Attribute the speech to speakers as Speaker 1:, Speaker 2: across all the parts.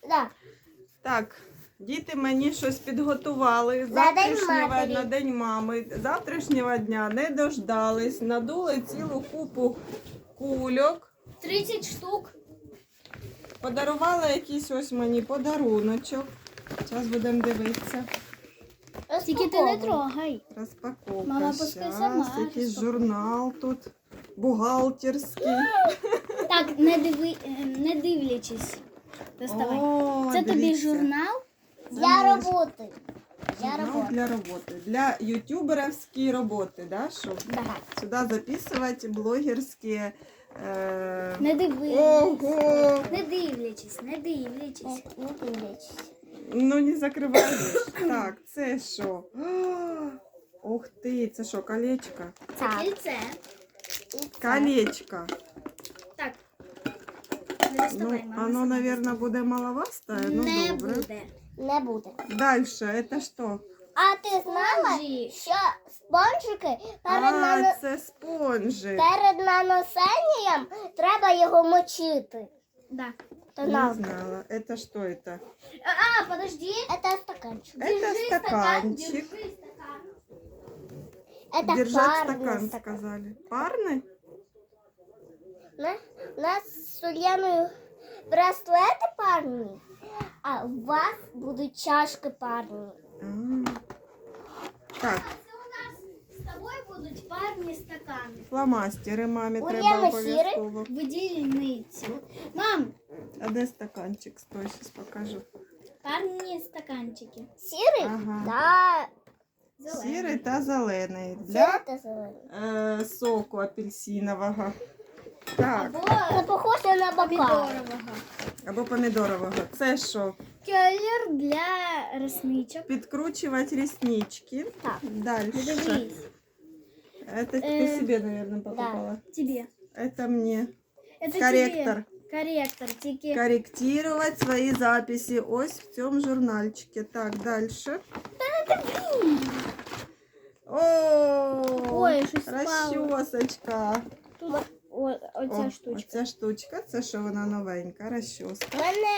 Speaker 1: Да.
Speaker 2: Так, діти мені щось підготували на День мами. Завтрашнього дня не дождались, надули цілу купу кульок.
Speaker 1: 30 штук.
Speaker 2: Подарували якийсь ось мені подаруночок. Зараз будемо дивитися.
Speaker 1: Тільки ти не трогай.
Speaker 2: Розпаковка.
Speaker 1: Мама, пускай сама
Speaker 2: Щас, якийсь
Speaker 1: розпакує.
Speaker 2: журнал тут бухгалтерський.
Speaker 1: Так, не дивлячись. Доставай.
Speaker 2: О,
Speaker 1: Це тобі
Speaker 2: дивіться.
Speaker 1: журнал?
Speaker 2: Для
Speaker 1: роботи.
Speaker 2: Журнал для роботи. Для ютуберівської роботи, да? Щоб
Speaker 1: Да.
Speaker 2: сюди записувати блогерські...
Speaker 1: Не дивись.
Speaker 2: Ого!
Speaker 1: Не дивлячись.
Speaker 2: Ну не закриваєш. Так, це що? Ух ти, це що, колечко?
Speaker 1: Це кільце.
Speaker 2: Колечко.
Speaker 1: Так. Не
Speaker 2: Ну,
Speaker 1: доставай, мама.
Speaker 2: оно, наверное, буде маловасте, ну
Speaker 1: Не
Speaker 2: добре.
Speaker 1: буде.
Speaker 3: Не буде.
Speaker 2: Дальше, это що?
Speaker 3: А ти знала,
Speaker 1: Спонжі.
Speaker 3: що спонжики
Speaker 2: Це спонжик.
Speaker 3: перед нанесенням треба його мочити?
Speaker 1: Да.
Speaker 3: То
Speaker 2: Не
Speaker 3: на.
Speaker 2: знала. Это что это?
Speaker 1: А, подожди.
Speaker 3: Це стаканчик.
Speaker 2: Это стаканчик.
Speaker 1: Держи стакан.
Speaker 3: Це
Speaker 2: Держать
Speaker 3: парний
Speaker 2: стакан,
Speaker 3: стакан.
Speaker 2: сказали. Парный?
Speaker 3: У нас з Ульяною браслети парні, а у вас будуть чашки парні.
Speaker 2: А. Так,
Speaker 1: Це у нас з тобою будуть парні стакани.
Speaker 2: фломастери мамі
Speaker 3: У
Speaker 2: треба
Speaker 3: Лени
Speaker 2: обов'язково.
Speaker 1: Видільниці. Мам,
Speaker 2: А де стаканчик? Стой, зараз покажу.
Speaker 1: парні стаканчики.
Speaker 3: Сірий?
Speaker 2: Ага.
Speaker 3: Да.
Speaker 1: Зелені.
Speaker 2: Сірий та зелений.
Speaker 3: Сірий
Speaker 2: Для
Speaker 3: та зелений.
Speaker 2: соку апельсинового. Так,
Speaker 1: Або
Speaker 3: Це похоже на бокал.
Speaker 1: помідорового.
Speaker 2: або помідорового. Це що?
Speaker 1: Колір для ресничок.
Speaker 2: Підкручувати реснички.
Speaker 3: Так.
Speaker 2: Дальше.
Speaker 1: Дивись.
Speaker 2: Это ты себе, наверное, покупала.
Speaker 1: Тебе.
Speaker 2: Это мне.
Speaker 1: Это
Speaker 2: Корректор.
Speaker 1: тебе. Корректор. Тільки
Speaker 2: Корректировать свои записи. Ось в цьому журнальчике. Так, дальше. О,
Speaker 1: Ой, щось впало.
Speaker 2: розчосочка.
Speaker 1: тут оця штучка.
Speaker 2: Оця штучка, це що вона новенька, розчоска.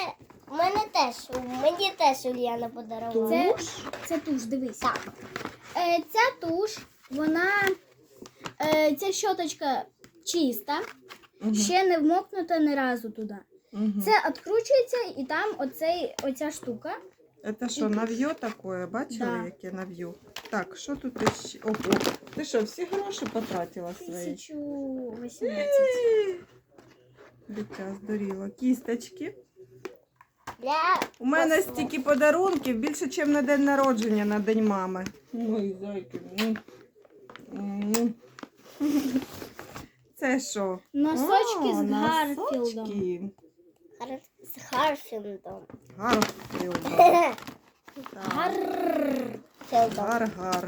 Speaker 3: Мені теж Ульяна подарувала.
Speaker 1: Це туш, дивись. Ця туш, вона, ця щоточка чиста, ще не вмокнута ні разу туди.
Speaker 2: Угу.
Speaker 1: Це відкручується і там оця штука.
Speaker 2: Це що, нав'ю таке? Бачили,
Speaker 1: Да.
Speaker 2: яке нав'ю? Так, що тут ще? Ого, ти що, всі гроші потратила свої?
Speaker 1: 1018.
Speaker 2: Дитя здуріло. Кісточки.
Speaker 3: Для
Speaker 2: У мене
Speaker 3: посуду.
Speaker 2: стільки подарунків, більше, ніж на день народження, на День мами. Ой, зайки. Це що?
Speaker 1: Носочки з Гарфілдом.
Speaker 2: Носочки.
Speaker 3: З Гарфілдом.
Speaker 2: Гарфілдом. Так.
Speaker 3: Гарфілдом.
Speaker 2: Гар-гар.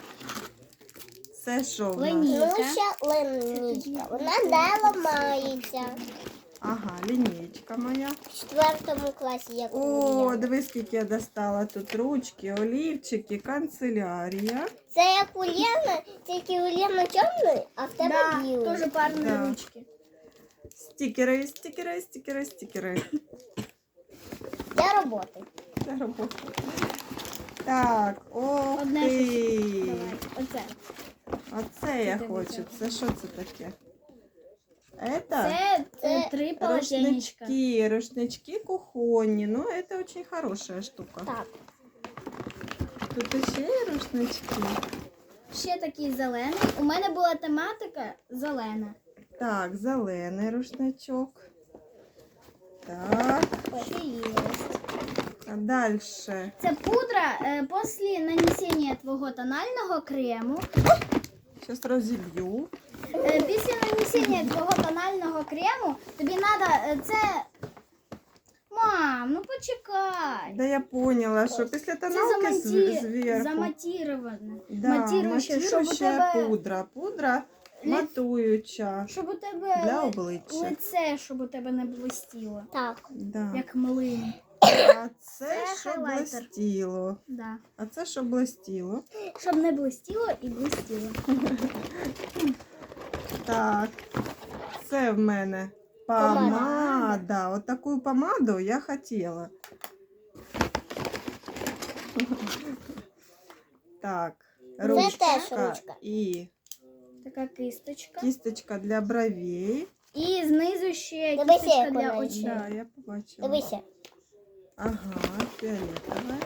Speaker 2: Це що в нас?
Speaker 1: Линійка.
Speaker 3: Ну, ще линійка. Вона не ламається.
Speaker 2: Ага, лінійка моя.
Speaker 3: В 4 класі, як у
Speaker 2: О,
Speaker 3: Ульяни.
Speaker 2: дивись, скільки я достала тут ручки, олівчики, канцелярія.
Speaker 3: Це як у Ульяни, тільки у Ульяни чорний, а в тебе
Speaker 1: Да,
Speaker 3: білий.
Speaker 1: теж парні
Speaker 2: Да.
Speaker 1: ручки.
Speaker 2: Стікери, стікери, стікери, стікери.
Speaker 3: Для роботи.
Speaker 2: Це робота. Так, ох
Speaker 1: Одне
Speaker 2: ти.
Speaker 1: Давай, оце.
Speaker 2: Оце я
Speaker 1: Ти
Speaker 2: хочу.
Speaker 1: дивися.
Speaker 2: Це що це таке? Это
Speaker 1: Це 3 полотенечка.
Speaker 2: рушнички кухонні. Ну, это очень хорошая штука.
Speaker 3: Так.
Speaker 2: Тут ще є рушнички.
Speaker 1: Ще такий зелений. У мене була тематика зелена.
Speaker 2: Так, зелений рушничок. Так,
Speaker 1: Ще є.
Speaker 2: а дальше.
Speaker 1: Це пудра після нанесення твого тонального крему.
Speaker 2: Сейчас розіб'ю.
Speaker 1: Після нанесення твого тонального крему тобі треба це. Мам, ну почекай.
Speaker 2: Да я поняла, що після тоналки зверху.
Speaker 1: заматіроване.
Speaker 2: Да,
Speaker 1: матіруюче, щоб у
Speaker 2: матіруюча
Speaker 1: тебе
Speaker 2: пудра. Пудра матуюча
Speaker 1: щоб у тебе
Speaker 2: для обличчя.
Speaker 1: лице, щоб у тебе не блистіло.
Speaker 3: Так.
Speaker 2: Да.
Speaker 1: Як млин.
Speaker 2: А це
Speaker 1: Це
Speaker 2: щоб
Speaker 1: хайлайтер.
Speaker 2: блистіло.
Speaker 1: Да.
Speaker 2: А це щоб блистіло.
Speaker 1: Щоб не блистіло і блистіло.
Speaker 2: Так, це в мене Помада. Вот такую помаду я хотела. Так,
Speaker 3: теж
Speaker 2: ручка
Speaker 3: ручка.
Speaker 2: і
Speaker 1: Така кисточка.
Speaker 2: кисточка для бровей.
Speaker 1: І знизу ще
Speaker 3: Дивися,
Speaker 1: кисточка
Speaker 3: як
Speaker 1: для
Speaker 3: вона
Speaker 1: очей.
Speaker 2: Да, я побачила.
Speaker 3: Дивися.
Speaker 2: Ага, фіолетове.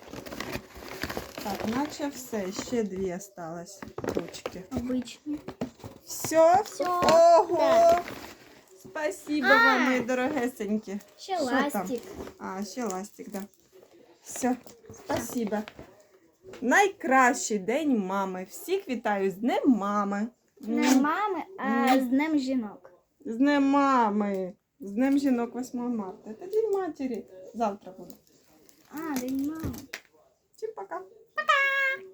Speaker 2: Так, наче все. Ще дві осталось ручки.
Speaker 1: Обичні.
Speaker 2: Все?
Speaker 1: Все.
Speaker 2: Ого!
Speaker 3: Да.
Speaker 2: Спасибо вам, мої дорогесенькі.
Speaker 1: Ще
Speaker 2: Що там?
Speaker 1: ластик.
Speaker 2: А, ще ластик, да. Все, спасибо. Найкращий день мами. Всіх вітаю з Днем мами.
Speaker 1: Не мами, а з Днем жінок.
Speaker 2: З Днем мами. З Днем жінок 8 марта. Це День матері. Завтра буде.
Speaker 1: А, День мами.
Speaker 2: Всім пока.
Speaker 1: Пока!